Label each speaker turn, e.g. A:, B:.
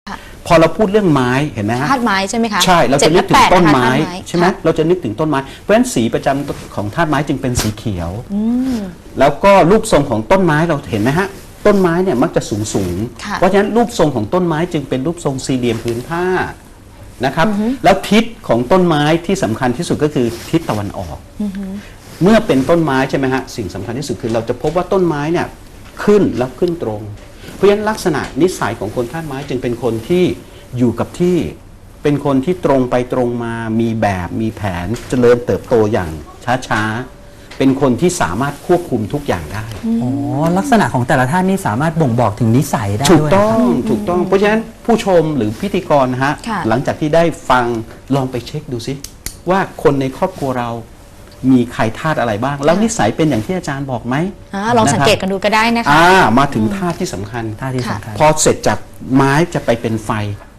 A: พอเราพูดเรื่องไม้เห็นไหมฮะ
B: ธาตุไม้ใช่ไหมคะ
A: ใช่เราจะนึกถึงต้นไม้
B: 7 และ 8
A: ใช่ไหมเราจะนึกถึงต้นไม้เพราะฉะนั้นสีประจำของธาตุไม้จึงเป็นสีเขียวแล้วก็รูปทรงของต้นไม้เราเห็นไหมฮะต้นไม้เนี่ยมักจะสูงเพราะฉะนั้นรูปทรงของต้นไม้จึงเป็นรูปทรงสี่เหลี่ยมผืนผ้านะครับแล้วทิศของต้นไม้ที่สำคัญที่สุดก็คือทิศตะวันออกเมื่อเป็นต้นไม้ใช่ไหมฮะสิ่งสำคัญที่สุดคือเราจะพบว่าต้นไม้เนี่ยขึ้นแล้วขึ้นตรงเพราะฉะนั้นลักษณะนิสัยของคนธาตุไม้จึงเป็นคนที่อยู่กับที่เป็นคนที่ตรงไปตรงมามีแบบมีแผนเจริญเติบโตอย่างช้าๆเป็นคนที่สามารถควบคุมทุกอย่างได้
C: อ๋อลักษณะของแต่ละท่านนี่สามารถบ่งบอกถึงนิสัยได้
A: ถูก
C: ด้วย
A: ต้องถูกต้องเพราะฉะนั้นผู้ชมหรือพิธีกรนะฮะหลังจากที่ได้ฟังลองไปเช็คดูซิว่าคนในครอบครัวเรามีใครธาตุอะไรบ้างแล้วนิสัยเป็นอย่างที่อาจารย์บอกไหม
B: ลองสังเกตกันดูก็ได้นะคะ
A: มาถึงธาตุที่สำคัญ
C: ท่าที่สำคัญ
A: พอเสร็จจากไม้จะไปเป็นไฟ